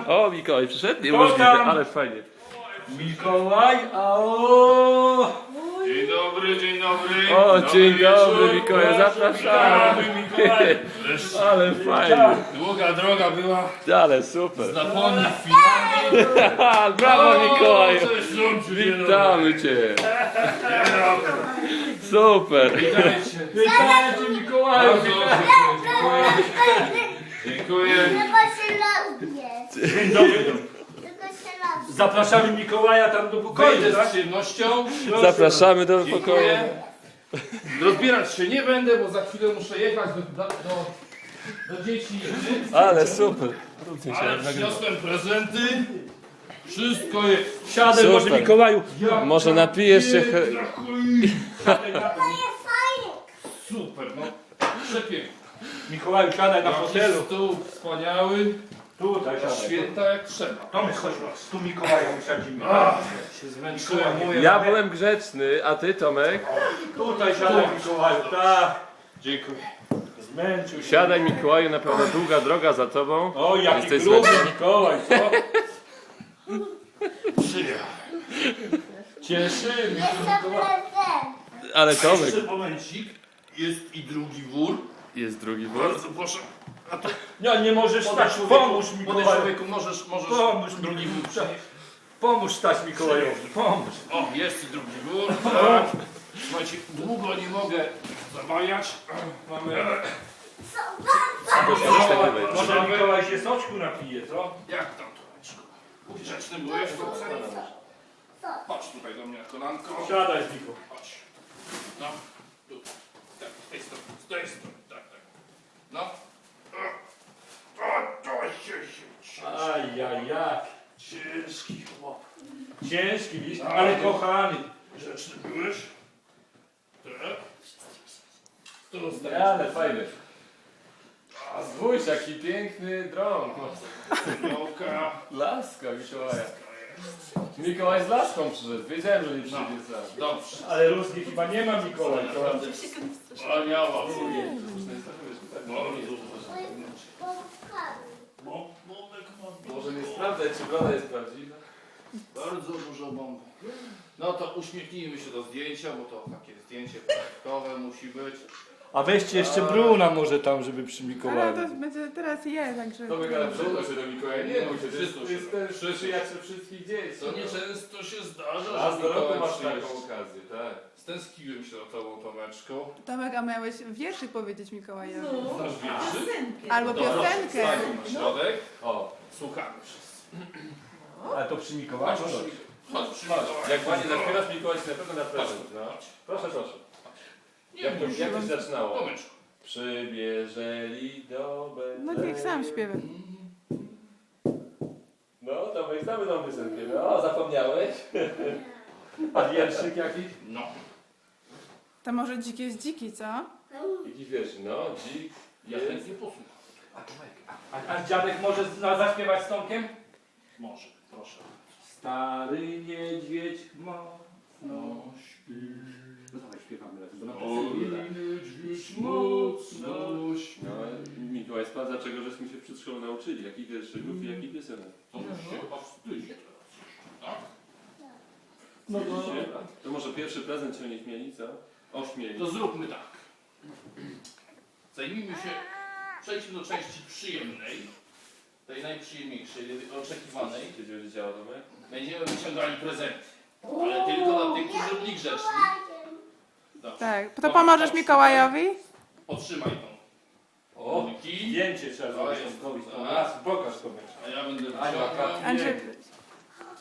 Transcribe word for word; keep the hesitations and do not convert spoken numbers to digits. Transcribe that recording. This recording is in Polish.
O, Mikołaj przyszedł? Nie Kto możliwe, tam? ale fajnie. Mikołaj, a o. Dzień dobry, dzień dobry. O, dzień dobry, wieczór. Mikołaj, zapraszamy. Witamy, Mikołaj. Wreszcie. Ale fajnie. Długa droga była Ale super. z Laponii w Finlandii. Brawo, Mikołaju. Cześć, Lumciu, dzień dobry. Witamy cię. Dzień dobry. Super. Witajcie. Witajcie, Mikołaju. Bardzo dziękuję. Dziękuję. Tylko się lubię. Dzień dobry. Tylko się lubię. Zapraszamy Mikołaja tam do pokoju, Wejdę tak? z przyjemnością. Zapraszamy do pokoju. Dziękuję. Rozbierać się nie będę, bo za chwilę muszę jechać do, do, do, do dzieci. Ale super. Róbcie się, Ale nagrywa. przyniosłem prezenty. Wszystko jest. Siadaj Super. może Mikołaju. Może napijesz się... he- Siadaj na... To jest fajnie. Super, no. Przepięknie. Mikołaju, siadaj na Jakiś fotelu. stół wspaniały. Tutaj siadaj. Święta jak trzeba. Tomek, chodź, tu Mikołaja usadzimy. Się zmęczyłem. Moje Ja byłem grzeczny, a ty, Tomek? Tutaj siadaj Mikołaju, tak. Dziękuję. Zmęczył się. Siadaj, Mikołaju, na pewno długa droga za tobą. O, jaki Jesteś gruby zmęczony? Mikołaj, co? Przyjechałem. Cieszymy się Jeszcze Mikołaj. prezent. Ale Tomek... Jeszcze momencik. Jest i drugi wór. Jest drugi wór. Bardzo proszę. A to No nie możesz młody stać, człowieku, pomóż młody Mikołaju. człowieku, możesz, możesz Pomóż drugi wór przynieść. Pomóż stać Mikołajowi, pomóż. O, jest i drugi wór. Tak. Słuchajcie, długo nie mogę zabawiać. Mamy... Może Mikołaj się soczku napije, co? Jak tam, Tomeczku? Grzeczny byłeś? Chodź tutaj do mnie na kolanko. Siadaj Miko. Chodź. No, tu. Tak, z tej strony, z tej strony, tak, tak. No. O, to się się Ajajaj. ciężki chłop. Ciężki list, ale kochany. Grzeczny byłeś? Tak. Tu Ale fajny. A spójrz, jaki piękny drąg. Mikołka. Laska Mikołaja. Mikołaj z laską przyszedł. Wiedziałem, że nie przyjdzie sam. Dobrze. Ale różnie chyba nie ma Mikołaj. to- Naprawdę wspaniała. Może nie sprawdzać, czy woda jest prawdziwa. Bardzo dużo bomb. No to uśmiechnijmy się do zdjęcia, bo to takie zdjęcie projektowe musi być. A weźcie jeszcze Bruna może tam, żeby przy Ale Mikołaju. to będzie teraz je, także... Tomek, ale przytul się do Mikołaja. Nie bój się, to jest, Przytul to się. jest ten przyjaciel wszystkich dzieci. To nieczęsto się zdarza, Raz że do roku Mikołaj masz przyjeżdża. taką okazję, tak. Stęskiłem się za tobą, Tomeczku. Tomek, a miałeś wierszyk powiedzieć Mikołajowi? Znasz wierszy? Albo piosenkę. Stań na środek. O, Słuchamy wszyscy. Ale to przy Mikołaju? Chodź, chodź, przy chodź. Mikołaju. Jak ładnie zaśpiewasz, Mikołaj ci na pewno na prezent. No. Proszę, proszę. Nie Jak to, bój jak się. to się zaczynało? Tomeczku. Przybierzeli do Betlejem. No niech sam śpiewa. No, Tomek, znamy tą piosenkę. No, zapomniałeś? A wierszyk jakiś? No. To może dzik jest dziki, co? Jakiś wiersz, no, dzik Ja jest... chętnie posłucham. A, Tomek, a, a dziadek może z- na, zaśpiewać z Tomkiem? Może, proszę. Stary niedźwiedź mocno No, śpi. No dawaj śpiewamy razem, bo na Oj, niedźwiedź mocno śpi. No, Mikołaj sprawdza, czego żeśmy się przed szkołą nauczyli. Jakich wierszyków i jakich piosenek. To już się powstydzi teraz. Tak? No to... Widzicie? To może pierwszy prezent się nie śmieli, co? Ośmieli. To zróbmy tak. Zajmijmy się, przejdźmy do części przyjemnej, tej najprzyjemniejszej, oczekiwanej. Co się będzie działo, Tomek? Będziemy wyciągali prezenty, ale tylko dla tych, którzy byli grzeczni. Dobrze. Tak. To pomożesz Mikołajowi? Otrzymaj tą. O, Moniki, zdjęcie trzeba To zrobić jest- Tomkowi. tak. Raz, pokaż Tomek. a ja będę Ania, wyciągał. tak. Andrzej,